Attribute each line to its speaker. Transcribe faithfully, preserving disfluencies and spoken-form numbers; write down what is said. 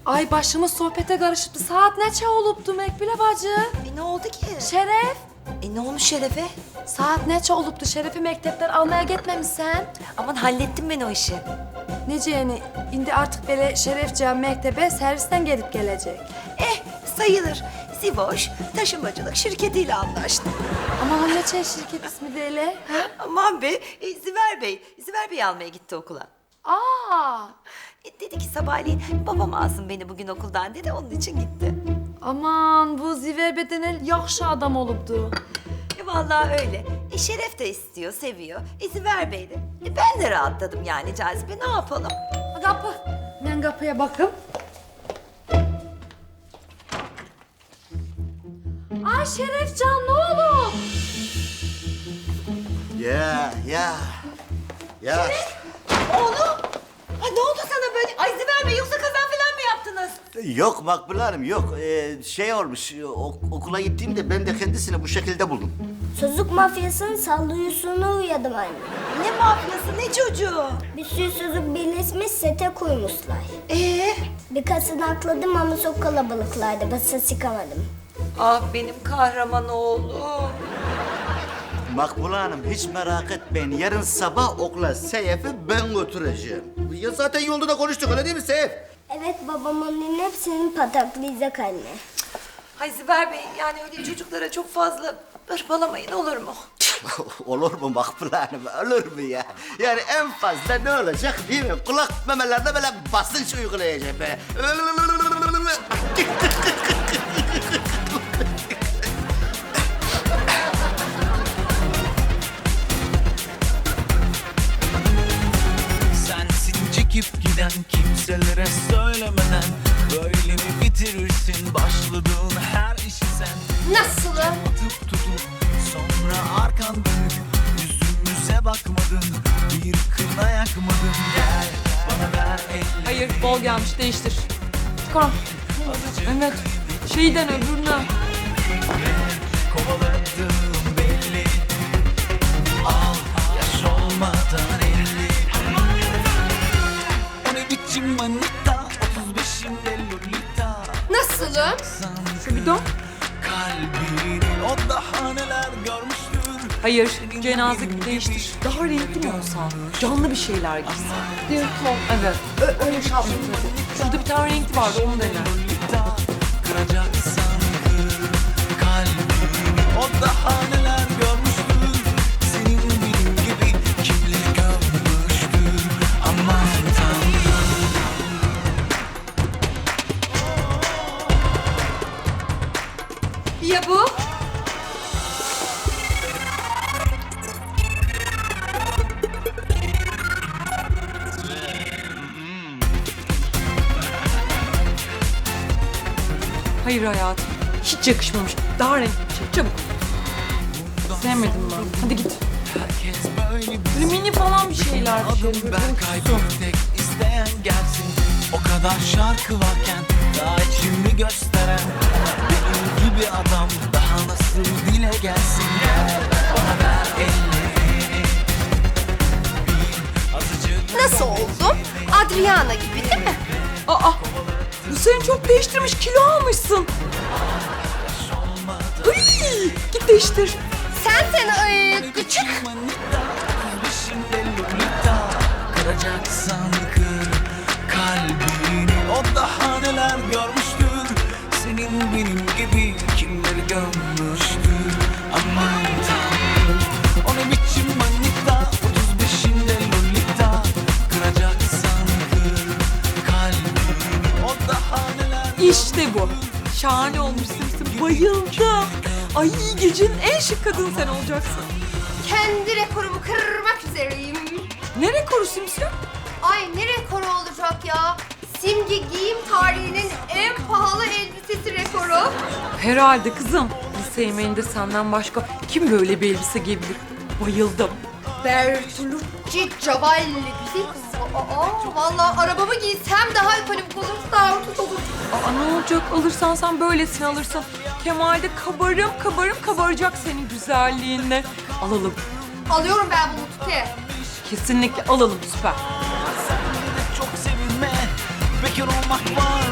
Speaker 1: Ay başımız sohbete karışıptı. Saat neçe oluptu Mekbile bacı?
Speaker 2: E ne oldu ki?
Speaker 1: Şeref.
Speaker 2: E ne olmuş Şeref'e?
Speaker 1: Saat neçe oluptu? Şeref'i mektepten almaya gitmemişsen.
Speaker 2: Aman hallettim ben o işi.
Speaker 1: Nece yani? Indi artık böyle Şerefcan mektebe servisten gelip gelecek.
Speaker 2: Eh sayılır. Sivoş taşımacılık şirketiyle anlaştım.
Speaker 1: Ama o neçe şirket ismi de öyle?
Speaker 2: Aman be, e, Ziver Bey. Ziver Bey almaya gitti okula.
Speaker 1: Aa!
Speaker 2: E, dedi ki sabahleyin babam alsın beni bugün okuldan dedi, onun için gitti.
Speaker 1: Aman bu Ziver Bedenel yakşı adam olupdu.
Speaker 2: E vallahi öyle. E Şeref de istiyor, seviyor. E Ziver Bey de. E ben de rahatladım yani Cazibe, ne yapalım?
Speaker 1: Kapı. Ben kapıya bakım. Ay Şerefcan ne olur?
Speaker 3: Ya ya. Ya.
Speaker 2: Oğlum! Ay ne oldu sana böyle? Ay Ziver Bey, yoksa kaza falan mı yaptınız?
Speaker 3: Yok Makbule Hanım yok. Ee, şey olmuş ok- okula gittiğimde ben de kendisini bu şekilde buldum.
Speaker 4: Sözlük mafyasının salluyusunu uyadım anne.
Speaker 2: Ne mafyası, ne çocuğu?
Speaker 4: Bir sürü sözlük birleşmiş sete koymuşlar.
Speaker 2: Ee?
Speaker 4: Birkaçını akladım ama çok kalabalıklardı. Basa çıkamadım.
Speaker 2: Ah benim kahraman oğlum.
Speaker 3: Makbule Hanım hiç merak etmeyin. Yarın sabah okula Seyef'i ben götüreceğim. Ya zaten yolda da konuştuk öyle değil mi Seyef?
Speaker 4: Evet babam onun hepsini pataklayacak anne.
Speaker 2: Ay Ziver Bey, yani öyle çocuklara çok fazla hırpalamayın, olur mu?
Speaker 3: Olur mu Makbule Hanım? Olur mu ya? Yani en fazla ne olacak değil mi? Kulak memelerine böyle basınç uygulayacağım böyle.
Speaker 5: Sensin çekip giden, kimselere söylemeden böyle mi bitirirsin başladığın her işi sen?
Speaker 1: Nasıl?
Speaker 5: Atıp tutup sonra arkan dönüp yüzümüze bakmadın, bir kına yakmadın. Gel bana ver elini.
Speaker 1: Hayır bol gelmiş değiştir. Çıkar. Evet. Şeyden öbürüne.
Speaker 5: Kovaladığım belli. Al yaş olmadan elli. O ne biçim manita, otuz beşinde lolita.
Speaker 1: Nasılım? Şu bir dön.
Speaker 5: Kalbini o daha neler görmüştür.
Speaker 6: Hayır, cenaze gibi değiştir. Daha renkli mi olsan? Canlı bir şeyler giysin.
Speaker 1: Diyor Tom.
Speaker 6: Evet.
Speaker 1: Ö- öyle şey yapayım.
Speaker 6: Şurada bir tane renkli vardı, onu dene.
Speaker 5: Lolita, kıracaksan kır kalbini. O daha neler görmüştür. Senin benim gibi kimleri görmüştür. Aman Tanrım.
Speaker 1: Ya bu?
Speaker 6: Hayır hayatım, hiç yakışmamış. Daha renkli bir şey, çabuk. Sevmedim ben. Hadi git.
Speaker 5: Herkes böyle bir
Speaker 6: Böyle mini falan bir şeyler. Bir şey.
Speaker 5: adım ben kaybım tek isteyen gelsin. O kadar şarkı varken daha içimi gösteren benim gibi adam daha nasıl dile gelsin. Gel bana ver ellerini. Bil azıcık
Speaker 2: Nasıl oldum? Adriana gibi değil mi?
Speaker 6: Aa, bu seni çok değiştirmiş, kilo almışsın. Hıy, git değiştir.
Speaker 2: Sen sen ay,
Speaker 5: küçük manita, peşinde lolita. Kıracaksan kır kalbini. O daha neler görmüştür. Senin benim gibi kimleri gömmüştür. Aman Tanrım. O ne biçim manita, otuz beşinde lolita. Kıracaksan kır kalbini. O daha neler.
Speaker 6: İşte bu. Şahane olmuşsun. Bayıldım. Ay gecenin en şık kadını sen olacaksın.
Speaker 7: Kendi rekorumu kırmak üzereyim.
Speaker 6: Ne rekoru Simsiyum?
Speaker 7: Ay ne rekoru olacak ya? Simge giyim tarihinin en pahalı elbisesi rekoru.
Speaker 6: Herhalde kızım. Lise yemeğinde senden başka kim böyle bir elbise giyebilir? Bayıldım.
Speaker 7: Bertolucci Cavalli güzel kız. Aa, vallahi arabamı giysem daha ekonomik olur, daha ucuz olur.
Speaker 6: Aa ne olacak? Alırsan sen böylesini alırsın. Kemal'de kabarım kabarım kabaracak senin güzelliğinle. Alalım.
Speaker 7: Alıyorum ben bunu Tuti.
Speaker 6: Kesinlikle alalım, süper.
Speaker 5: Çok sevinme, bekar olmak var.